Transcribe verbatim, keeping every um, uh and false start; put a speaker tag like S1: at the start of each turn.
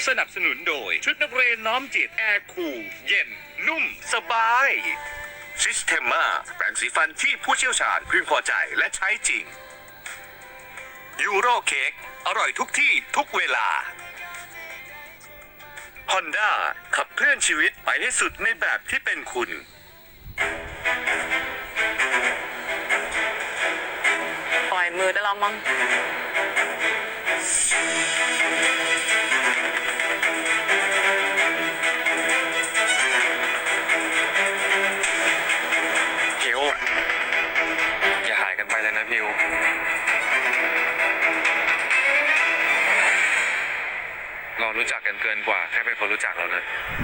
S1: สนับสนุนโดยชุดนักเรียนน้อมจิตแอร์คูลเย็นนุ่มสบายซิสเทมมาแปรงสีฟันที่ผู้เชี่ยวชาญพึงพอใจและใช้จริงยูโรเค้กอร่อยทุกที่ทุกเวลา Honda ขับเคลื่อนชีวิตไปให้สุดในแบบที่เป็นคุณ
S2: ปล่อยมือได้แล้วมั้ง